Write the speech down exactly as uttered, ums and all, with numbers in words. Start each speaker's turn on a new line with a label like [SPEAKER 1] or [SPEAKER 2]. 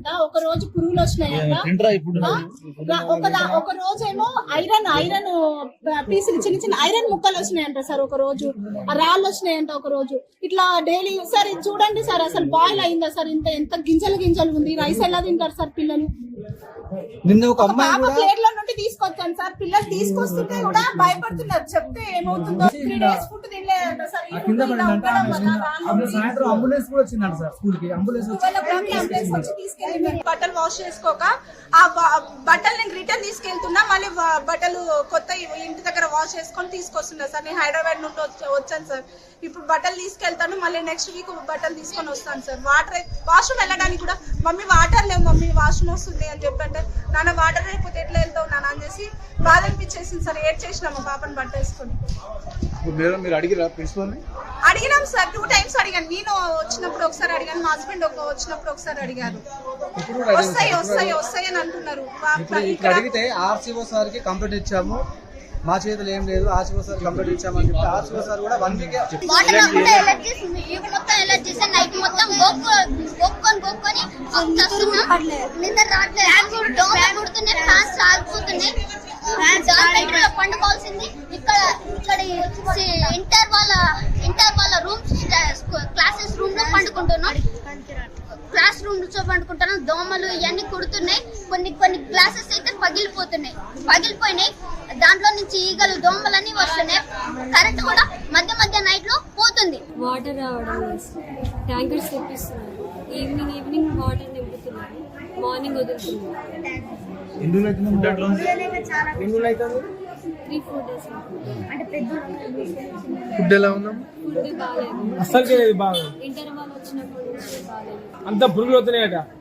[SPEAKER 1] వచ్చినాయంట, ఒక రోజు పురుగులు వచ్చినాయంట, ఒక ఒక రోజు ఏమో ఐరన్ ఐరన్ పీసులు చిన్న చిన్న ఐరన్ ముక్కలు వచ్చినాయంట సార్, ఒక రోజు రాళ్ళు వచ్చినాయంట ఒక రోజు. ఇట్లా డైలీ సార్ ఇది చూడండి సార్, అసలు బాయిల్ అయిందా సార్, ఇంత ఎంత గింజలు గింజలు ఉంది, రైస్ ఎలా తింటారు సార్ పిల్లలు.
[SPEAKER 2] నిన్న ఒక అమ్మాయి కూడా
[SPEAKER 1] ప్లేట్ లో నుండి తీసుకొచ్చాను సార్, పిల్లలు తీసుకొస్తుంటే కూడా భయపడుతున్నారు, చెప్తే ఏమవుతుందో. త్రీ డేస్ ఫుడ్ తినలేదంట సార్. ఈ ఫుడ్ ఇలా ఉండడం వల్ల రాళ్ళు
[SPEAKER 2] సాయంత్రం అంబులెన్స్ కూడా వచ్చిందంట సార్, స్కూల్ కి అంబులెన్స్
[SPEAKER 1] వచ్చి తీసుకెళ్ళి బట్టలు వాష్ చేసుకోక ఆ బట్టలు నేను రిటర్న్ తీసుకెళ్తున్నా, మళ్ళీ బట్టలు కొత్త ఇంటి దగ్గర వాష్ చేసుకొని తీసుకొస్తున్నా సార్. నేను హైదరాబాద్ నుండి వచ్చాను సార్, ఇప్పుడు బట్టలు తీసుకెళ్తాను, మళ్ళీ నెక్స్ట్ వీక్ బట్టలు తీసుకొని వస్తాను సార్. వాటర్ వాష్రూమ్ వెళ్ళడానికి కూడా మమ్మీ వాటర్ లేవు మమ్మీ వాష్రూమ్ వస్తుంది అని చెప్పంటే, నాన్న వాటర్ అయిపోతే ఎట్లా వెళ్తావు నాన్న అని చేసి బాధ అనిపించేసింది సార్. ఏడ్ చేసిన మా పాపని బట్ట వేసుకొని.
[SPEAKER 2] మీరు అడిగిరా ప్రిన్సిపల్ ని?
[SPEAKER 1] అడిగినాం సార్, టూ టైమ్స్ అడిగాను. నేను వచ్చినప్పుడు ఒకసారి అడిగాను, మా హస్బెండ్ వచ్చినప్పుడు ఒకసారి అడిగారు. వస్తాయి వస్తాయి వస్తాయి అని అంటున్నారు.
[SPEAKER 3] ఇక్కడ అడిగితే ఆర్సీఓ సార్ కి కంప్లైంట్ ఇచ్చాము, మా చేతులు ఏం లేదు, ఆర్సీఓ సార్ కంప్లైంట్ ఇచ్చామని చెప్తే ఆర్సీఓ సార్ కూడా వన్ వీక్
[SPEAKER 4] వాటర్ అంతా ఎలర్జీస్ ఇవి మొత్తం ఎలర్జీస్ నైట్ మొత్తం గొక్కొని గొక్కొని నిద్ర రావట్లేదు, దోమలు కుడుతున్నాయి, ఫ్యాన్స్ ఆగిపోతున్నాయి. పండుకోవాల్సింది ఇక్కడ ఇక్కడ ఇంటర్ వాళ్ళ ఇంటర్ వాళ్ళ రూమ్స్ క్లాసెస్ రూమ్ లో పండుకుంటున్నాం, క్లాస్ రూమ్ లో పండుకుంటున్నాం. దోమలు ఇవన్నీ కుడుతున్నాయి, కొన్ని కొన్ని గ్లాసెస్ అయితే పగిలిపోతున్నాయి పగిలిపోయినాయి దాంట్లో నుంచి ఈగలు దోమలన్నీ వస్తున్నాయి. కరెంట్ కూడా మధ్య మధ్య నైట్ లో పోతుంది.
[SPEAKER 5] వాటర్ రావడం ట్యాంకర్స్ తెప్పిస్తున్నారు, ఈవినింగ్ ఈవినింగ్ వాటర్ నింపుతున్నారు, మార్నింగ్ వదులుతున్నారు. త్రీ ఫోర్ డేస్
[SPEAKER 2] ఫుడ్ ఎలా ఉందా?
[SPEAKER 5] ఫుడ్ బాగాలేదు,
[SPEAKER 2] అసలు బాగా
[SPEAKER 5] ఇంటర్ వాళ్ళు వచ్చినప్పుడు బాగాలేదు.
[SPEAKER 2] అంత పురుగులు అవుతున్నాయట.